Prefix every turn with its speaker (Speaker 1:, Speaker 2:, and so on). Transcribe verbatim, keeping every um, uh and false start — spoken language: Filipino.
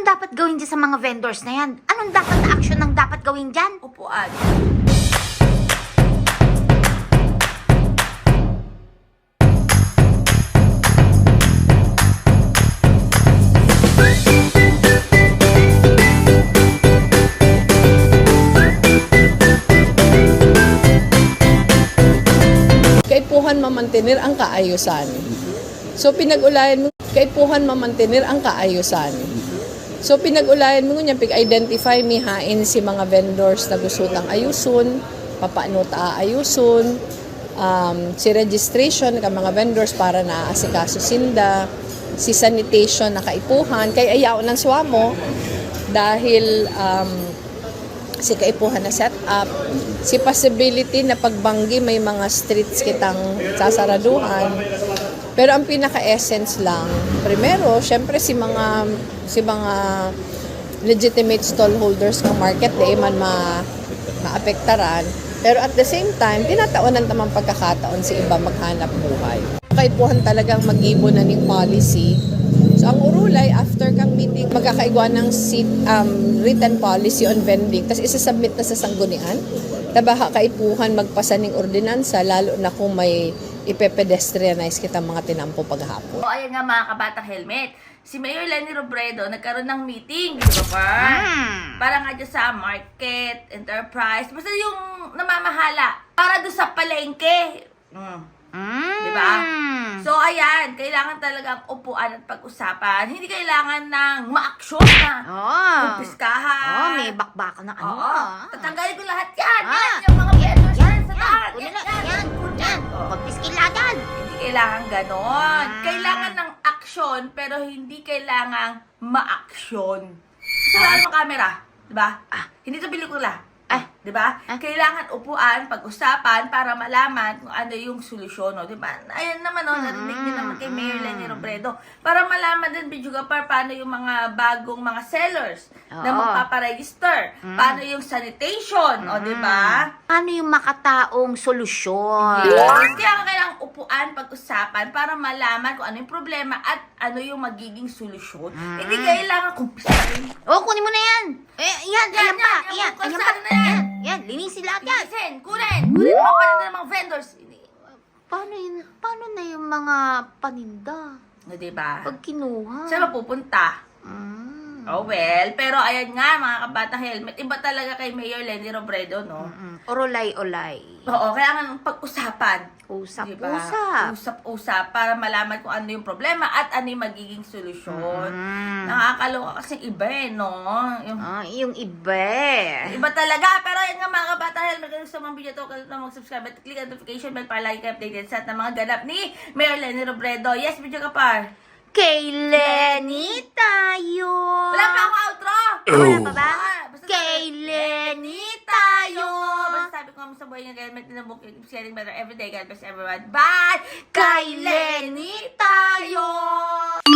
Speaker 1: Anong dapat gawin dyan sa mga vendors na yan? Anong dapat na action ang dapat gawin dyan?
Speaker 2: Upuan.
Speaker 3: Kaipuhan mamantenir ang kaayusan. So pinag-ulayan mo, kaipuhan mamantenir ang kaayusan. So pinag-ulayan mo niya, pig-identify mi hain si mga vendors na gusto tang ayusun, papaano ta ayusun, um, si registration ka mga vendors para na asikaso sinda, si sanitation na kaipuhan, kay ayaw ng swamo dahil um, si kaipuhan na set up, si possibility na pagbanggi may mga streets kitang sasaraduhan. Pero ang pinaka-essence lang, primero, syempre si mga si mga legitimate stallholders ng market di man ma maapektaran. Pero at the same time, tinataonan tamang pagkakataon si iba maghanap buhay. Kaipuhan talagang mag-ibon na ning policy. So ang urulay, after kang meeting, magkakaigwa ng seat, um, written policy on vending, tapos isasubmit na sa sanggunian. Tabaha kaipuhan magpasa ng ordinansa, lalo na kung may ipe-pedestrianize kita mga tinampo paghapon.
Speaker 2: O ayan nga mga kabatang helmet. Si Mayor Leni Robredo nagkaroon ng meeting, di ba pa?
Speaker 1: Mm.
Speaker 2: Para nga dyan sa market, enterprise, basta yung namamahala. Para doon sa palengke. Mm.
Speaker 1: Mm.
Speaker 2: Di ba? So ayan, kailangan talagang upuan at pag-usapan. Hindi kailangan ng ma-aksyon na.
Speaker 1: Oh.
Speaker 2: Kumpiskahan.
Speaker 1: Oh, may bakbaka na ano.
Speaker 2: Oo.
Speaker 1: ah.
Speaker 2: Tatanggalin ko lahat yan.
Speaker 1: Ah.
Speaker 2: Yan, yung mga vendors
Speaker 1: Yan,
Speaker 2: yan sa
Speaker 1: yan.
Speaker 2: taas.
Speaker 1: Kunin
Speaker 2: Yan,
Speaker 1: na,
Speaker 2: yan.
Speaker 1: yan. Yan. Pagpiskiladan.
Speaker 2: Hindi kailangan ganon.
Speaker 1: Ah.
Speaker 2: Kailangan ng aksyon, pero hindi kailangan ma-aksyon. Kasi wala namang camera. Diba?
Speaker 1: Ah.
Speaker 2: Hindi to pelikula.
Speaker 1: Ah.
Speaker 2: Diba?
Speaker 1: Ah.
Speaker 2: Kailangan upuan, pag-usapan, para malaman kung ano yung solusyon. No? Diba? Ayan naman, no? Narinig din naman kay Mayor Leni Robredo. Para malaman din, Bidjugapar, paano yung mga bagong mga sellers na
Speaker 1: Oo.
Speaker 2: magpaparegister. Paano yung sanitation. O, diba?
Speaker 1: Ano yung makataong solusyon?
Speaker 2: Yes. Kaya nga kailangang upuan, pag-usapan para malaman kung ano yung problema at ano yung magiging solusyon. Hindi kailangan kumpisahin.
Speaker 1: Oh, kunin mo na yan. Eh, yan,
Speaker 2: Yan,
Speaker 1: ayan pa.
Speaker 2: yan, yung
Speaker 1: Ayan,
Speaker 2: kung
Speaker 1: ayan
Speaker 2: saan
Speaker 1: pa.
Speaker 2: na yan.
Speaker 1: Yan, yan, linisin lahat yan.
Speaker 2: Listen, kunin. Kunin mo pa rin ng mga vendors.
Speaker 1: Paano yun? Paano na yung mga paninda?
Speaker 2: No, diba?
Speaker 1: Pag kinuha.
Speaker 2: Saan mapupunta?
Speaker 1: Mm.
Speaker 2: Oh well, pero ayan nga mga kabatang helmet, iba talaga kay Mayor Leni Robredo, no?
Speaker 1: Mm. Orolay-olay.
Speaker 2: Oo, kaya nga pag-usapan.
Speaker 1: Usap-usap.
Speaker 2: Usap-usap para malaman kung ano yung problema at ano yung magiging solusyon.
Speaker 1: Mm.
Speaker 2: Nakakaloka kasi iba eh, no? Yung,
Speaker 1: Ah, yung iba.
Speaker 2: iba talaga. Pero yan nga mga kabatang helmet, kung gusto mong video to, kalimutan na mag-subscribe at click ang notification bell para lagi kayo updated sa lahat ng mga ganap ni Mayor Leni Robredo. Yes, video ka par.
Speaker 1: Kay Lenny tayo.
Speaker 2: Wala pa akong outro!
Speaker 1: Wala pa ba?
Speaker 2: Ah, basta
Speaker 1: Kay
Speaker 2: sabi-
Speaker 1: Lenny tayo.
Speaker 2: Basta sabi ko nga sa buhay ng helmet na book, keep sharing better every day. God bless everyone. Bye!
Speaker 1: Kay Lenny tayo.